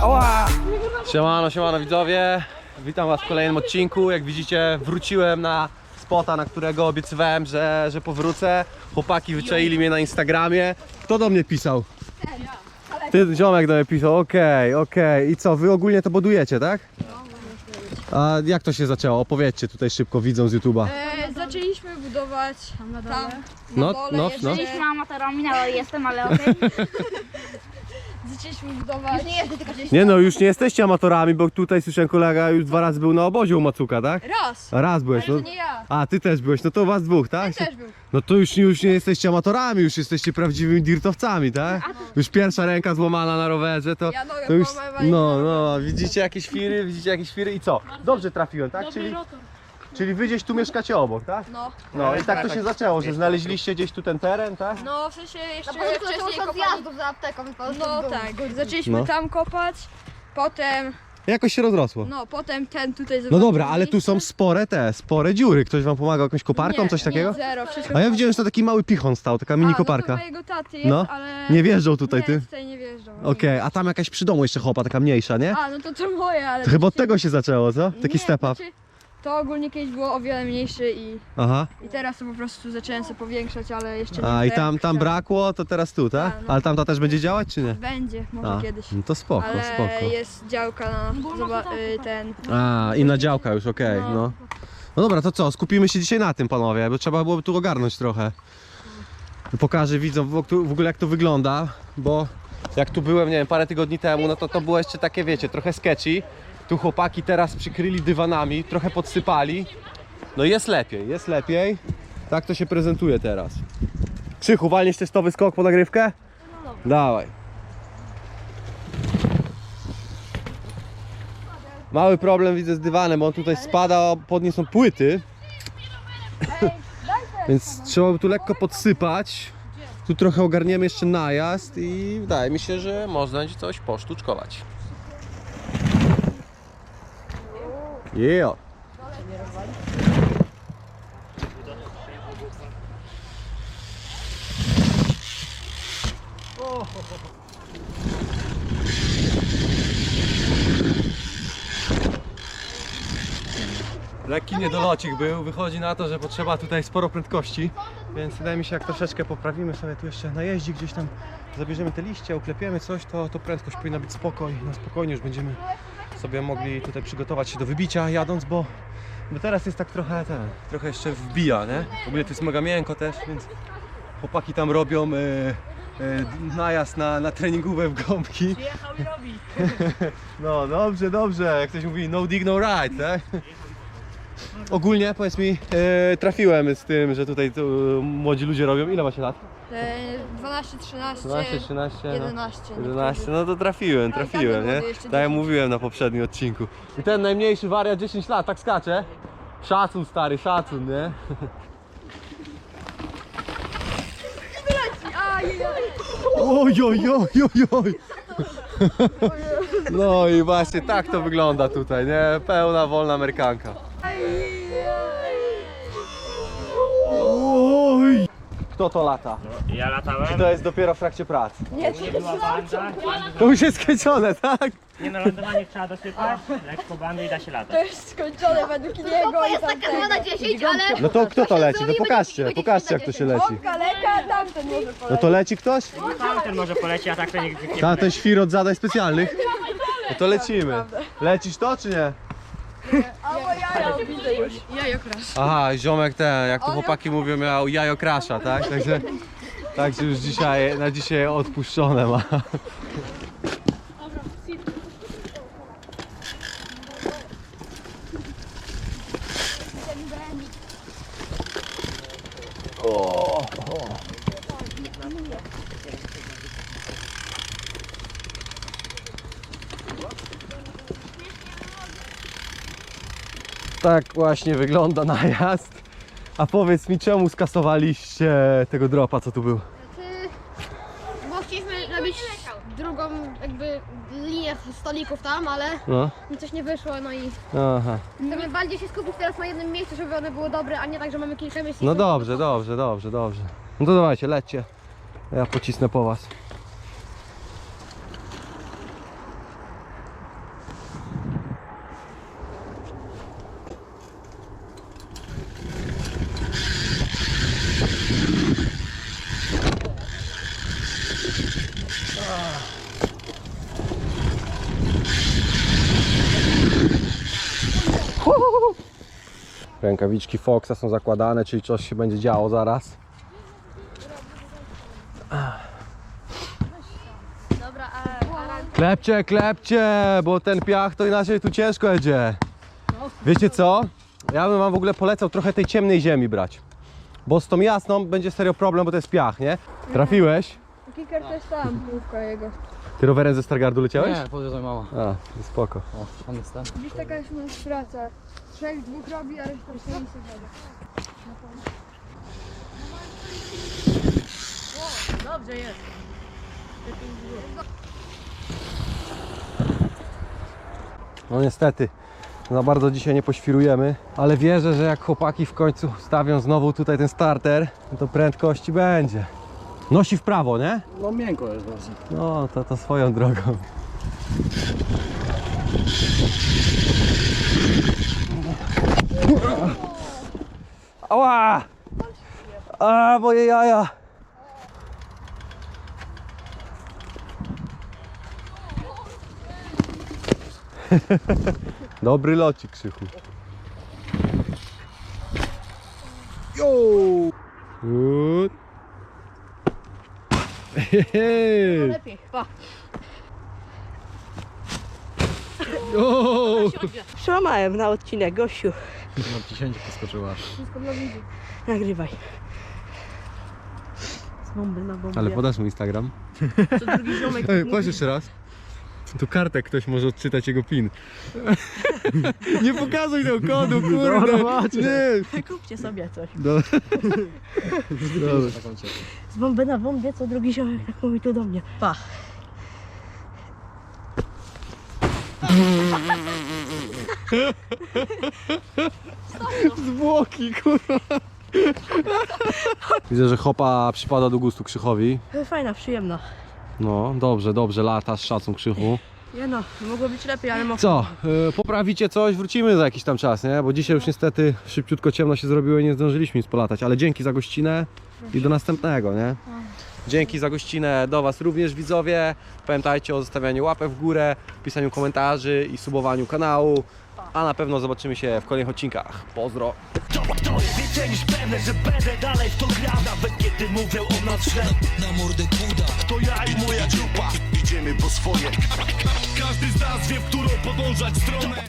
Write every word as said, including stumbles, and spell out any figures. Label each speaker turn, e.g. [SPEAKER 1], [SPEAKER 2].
[SPEAKER 1] Ała! Siemano, siemano widzowie. Witam was w kolejnym odcinku. Jak widzicie, wróciłem na spota, na którego obiecywałem, że, że powrócę. Chłopaki wyczaili mnie na Instagramie. Kto do mnie pisał? Ty, ziomek do mnie pisał, okej, okay, okej. Okay. I co, wy ogólnie to budujecie, tak? A jak to się zaczęło? Opowiedzcie tutaj szybko, widzą z YouTube'a.
[SPEAKER 2] E, zaczęliśmy budować tam na dole. Tam,
[SPEAKER 1] No,
[SPEAKER 2] na dole
[SPEAKER 1] no,
[SPEAKER 2] jeszcze.
[SPEAKER 1] no.
[SPEAKER 3] Byliśmy amatorami, ale jestem, ale okej.
[SPEAKER 2] Zaczęliśmy budować.
[SPEAKER 3] Nie jestem, tylko gdzieś.
[SPEAKER 1] Nie no, już nie jesteście amatorami, bo tutaj słyszałem, kolega już dwa razy był na obozie u Macuka, tak?
[SPEAKER 2] Raz.
[SPEAKER 1] A raz byłeś,
[SPEAKER 2] Ale
[SPEAKER 1] no.
[SPEAKER 2] to nie ja.
[SPEAKER 1] A, ty też byłeś, no to was dwóch, tak?
[SPEAKER 2] Ten też był.
[SPEAKER 1] No to już, już nie jesteście amatorami, już jesteście prawdziwymi dirtowcami, tak? Już pierwsza ręka złamana na rowerze, to,
[SPEAKER 2] Ja nogę
[SPEAKER 1] to już...
[SPEAKER 2] połamałem,
[SPEAKER 1] No, no, widzicie jakieś firy, widzicie jakieś firy i co? Dobrze trafiłem, tak? Czyli, czyli wy gdzieś tu mieszkacie obok, tak?
[SPEAKER 2] No.
[SPEAKER 1] No i tak to się zaczęło, że znaleźliście gdzieś tu ten teren, tak?
[SPEAKER 2] No w sensie jeszcze
[SPEAKER 3] Na początku
[SPEAKER 2] wcześniej
[SPEAKER 3] zaczęło się od
[SPEAKER 2] kopali.
[SPEAKER 3] zjazdów za apteką.
[SPEAKER 2] No tak, zaczęliśmy
[SPEAKER 1] No.
[SPEAKER 2] tam kopać, potem,
[SPEAKER 1] Jakoś się rozrosło.
[SPEAKER 2] no potem ten tutaj
[SPEAKER 1] No
[SPEAKER 2] zobaczył
[SPEAKER 1] dobra, ale tu są
[SPEAKER 2] miejsce.
[SPEAKER 1] spore te, spore dziury. Ktoś wam pomagał jakąś koparką,
[SPEAKER 2] Nie,
[SPEAKER 1] coś takiego?
[SPEAKER 2] Nie, zero, wszystko.
[SPEAKER 1] A ja widziałem, że to taki mały pichon stał, taka mini
[SPEAKER 2] A,
[SPEAKER 1] koparka.
[SPEAKER 2] No to mojego taty jest,
[SPEAKER 1] No.
[SPEAKER 2] ale...
[SPEAKER 1] Nie wjeżdżał tutaj,
[SPEAKER 2] nie,
[SPEAKER 1] ty?
[SPEAKER 2] tutaj nie wjeżdżał.
[SPEAKER 1] Okej, a tam jakaś przy domu jeszcze chopa, taka mniejsza, nie?
[SPEAKER 2] A, no to to moje, ale...
[SPEAKER 1] To chyba od
[SPEAKER 2] to się-
[SPEAKER 1] tego się zaczęło, co? Taki
[SPEAKER 2] Nie,
[SPEAKER 1] step up.
[SPEAKER 2] znaczy, to ogólnie kiedyś było o wiele mniejsze i,
[SPEAKER 1] Aha.
[SPEAKER 2] i teraz to po prostu zacząłem sobie powiększać, ale jeszcze nie
[SPEAKER 1] A i
[SPEAKER 2] wiem,
[SPEAKER 1] tam,
[SPEAKER 2] jak
[SPEAKER 1] tam
[SPEAKER 2] chciałem.
[SPEAKER 1] brakło, to teraz tu, tak?
[SPEAKER 2] Tak, no.
[SPEAKER 1] Ale tamta też będzie działać, czy nie?
[SPEAKER 2] Będzie, może
[SPEAKER 1] A,
[SPEAKER 2] kiedyś.
[SPEAKER 1] no to spoko,
[SPEAKER 2] Ale
[SPEAKER 1] spoko.
[SPEAKER 2] jest działka na zoba- y, ten.
[SPEAKER 1] A, inna działka już, okej,
[SPEAKER 2] No.
[SPEAKER 1] no. No dobra, to co? Skupimy się dzisiaj na tym, panowie, bo trzeba byłoby tu ogarnąć trochę. Pokażę widzom w w ogóle jak to wygląda, bo jak tu byłem, nie wiem, parę tygodni temu, no to to było jeszcze takie, wiecie, trochę sketchy. Tu chłopaki teraz przykryli dywanami, trochę podsypali. No jest lepiej, jest lepiej. Tak to się prezentuje teraz. Krzychu, walniesz testowy skok po nagrywkę? Dawaj. Mały problem widzę z dywanem, bo on tutaj spada, pod nie są płyty. Więc trzeba by tu lekko podsypać. Tu trochę ogarniemy jeszcze najazd i wydaje mi się, że można będzie coś posztuczkować. Yeah. Lekki niedolocik był, wychodzi na to, że potrzeba tutaj sporo prędkości, więc wydaje mi się, jak troszeczkę poprawimy sobie tu jeszcze na jeździ, gdzieś tam zabierzemy te liście, uklepiemy coś, to, to prędkość powinna być spokoj, na spokojnie już będziemy sobie mogli tutaj przygotować się do wybicia jadąc, bo, bo teraz jest tak trochę ten, trochę jeszcze wbija, nie? W ogóle to jest mega miękko też, więc chłopaki tam robią e, e, najazd na, na treningówę w gąbki.
[SPEAKER 4] Przyjechał i robi.
[SPEAKER 1] No dobrze, dobrze, jak ktoś mówi no dig, no ride, tak? Ogólnie powiedz mi, e, trafiłem z tym, że tutaj tu młodzi ludzie robią. Ile macie lat?
[SPEAKER 2] E, dwanaście, trzynaście,
[SPEAKER 1] dwanaście, trzynaście,
[SPEAKER 2] jedenaście.
[SPEAKER 1] no. jedenaście, no to trafiłem,
[SPEAKER 2] Tak,
[SPEAKER 1] trafiłem,
[SPEAKER 2] tak,
[SPEAKER 1] nie?
[SPEAKER 2] młody, jeszcze
[SPEAKER 1] Tak jak
[SPEAKER 2] dziesięć.
[SPEAKER 1] mówiłem na poprzednim odcinku. I ten najmniejszy wariat dziesięć lat, tak skacze. Szacun stary, szacun, nie? Oj, oj, oj, oj, oj. No i właśnie tak to wygląda tutaj, nie? Pełna, wolna amerykanka. Oj! Kto to lata?
[SPEAKER 4] Ja latałem.
[SPEAKER 1] Czy to jest dopiero w trakcie pracy?
[SPEAKER 4] Nie była banda.
[SPEAKER 1] To już jest skręcone, tak?
[SPEAKER 4] Nie na lądowanie trzeba dosypać. Lekko bandy i da się
[SPEAKER 2] To
[SPEAKER 4] latać.
[SPEAKER 2] jest skończone według niego
[SPEAKER 3] To
[SPEAKER 2] i
[SPEAKER 3] jest taka
[SPEAKER 2] tamtego.
[SPEAKER 3] dwa na dziesięć, ale...
[SPEAKER 1] No to kto to leci? To
[SPEAKER 3] zrobimy
[SPEAKER 1] pokażcie,
[SPEAKER 3] dziesięć
[SPEAKER 1] pokażcie
[SPEAKER 3] na
[SPEAKER 1] jak to się
[SPEAKER 3] dziesięć.
[SPEAKER 1] leci.
[SPEAKER 2] Kaleka, tamten może
[SPEAKER 1] No
[SPEAKER 2] polecieć.
[SPEAKER 1] to leci ktoś?
[SPEAKER 4] Tamten może poleci, a tak to nikt nie
[SPEAKER 1] Tam
[SPEAKER 4] poleci.
[SPEAKER 1] ten świr od zadań specjalnych. No to lecimy. Lecisz to czy nie?
[SPEAKER 2] Albo jajo, widzę już. Jajo krasz.
[SPEAKER 1] Aha, ziomek ten, jak to chłopaki mówią, miał jajo krasza, tak? Także, także już dzisiaj, na dzisiaj odpuszczone ma. Tak właśnie wygląda najazd. A powiedz mi, czemu skasowaliście tego dropa, co tu był?
[SPEAKER 3] Bo chcieliśmy robić drugą jakby linię stolików tam, ale
[SPEAKER 1] No,
[SPEAKER 3] mi coś nie wyszło, no i
[SPEAKER 1] aha.
[SPEAKER 3] chcemy bardziej się skupić teraz na jednym miejscu, żeby one były dobre, a nie tak, że mamy kilka miejsc. i
[SPEAKER 1] No
[SPEAKER 3] są-
[SPEAKER 1] dobrze, dobrze, dobrze, dobrze. No to dawajcie, lećcie. Ja pocisnę po was. Rękawiczki Foxa są zakładane, czyli coś się będzie działo zaraz.
[SPEAKER 3] Dobra, a, a ran...
[SPEAKER 1] Klepcie, klepcie, bo ten piach to inaczej tu ciężko jedzie. Wiecie co? Ja bym wam w ogóle polecał trochę tej ciemnej ziemi brać. Bo z tą jasną będzie serio problem, bo to jest piach, nie? Trafiłeś?
[SPEAKER 2] Kicker też tam, półka jego.
[SPEAKER 1] Ty rowerem ze Stargardu leciałeś?
[SPEAKER 5] Nie, podjeżdżaj mała.
[SPEAKER 1] A, spoko.
[SPEAKER 5] O, tam jest ten.
[SPEAKER 2] Dziś taka już nas praca. Trzech, dwóch robi, a reszta stoi sobie. Dobrze jest.
[SPEAKER 1] No niestety, za bardzo dzisiaj nie poświrujemy, ale wierzę, że jak chłopaki w końcu stawią znowu tutaj ten starter, to prędkości będzie. Nosi w prawo, nie?
[SPEAKER 5] No miękko jest dosyć.
[SPEAKER 1] No, to, to swoją drogą. Ała! A, moje jaja! Dobry locik, Krzychu. Jo! Good. Hehe.
[SPEAKER 2] Lepiej, pa.
[SPEAKER 1] Jo!
[SPEAKER 6] Przełamałem na odcinek, gościu.
[SPEAKER 5] No dziesięć poskoczyła.
[SPEAKER 2] Wszystko dla widzu.
[SPEAKER 6] Nagrywaj. Z bomby na bombę.
[SPEAKER 1] Ale podasz mu Instagram?
[SPEAKER 6] Co drugi ziomek
[SPEAKER 1] Ej,
[SPEAKER 6] mówi,
[SPEAKER 1] patrz jeszcze raz. Tu kartę ktoś może odczytać jego pin. Nie pokazuj tego kodu, kurde. Nie.
[SPEAKER 6] kupcie sobie coś.
[SPEAKER 1] Dobra. Dobra.
[SPEAKER 6] Z bomby na bombie, co drugi ziomek tak mówi tu do mnie. Pa.
[SPEAKER 1] Zwłoki, kurwa. Widzę, że hopa przypada do gustu Krzychowi.
[SPEAKER 6] Fajna, przyjemna.
[SPEAKER 1] No, dobrze, dobrze, lata z szacun Krzychu.
[SPEAKER 6] Nie no, mogło być lepiej, ale mogło.
[SPEAKER 1] Co, yy, poprawicie coś, wrócimy za jakiś tam czas, nie? Bo dzisiaj już niestety szybciutko ciemno się zrobiło i nie zdążyliśmy nic polatać, ale dzięki za gościnę i do następnego, nie? Dzięki za gościnę do was również, widzowie. Pamiętajcie o zostawianiu łapek w górę, pisaniu komentarzy i subowaniu kanału. A na pewno zobaczymy się w kolejnych odcinkach. Pozdro!
[SPEAKER 7] To, to jest więcej niż pewne, że będę dalej w to grał, nawet kiedy mówią o nas źle. Na mordę kuda. To ja i moja grupa, idziemy po swoje. Każdy z nas wie, w którą podążać stronę.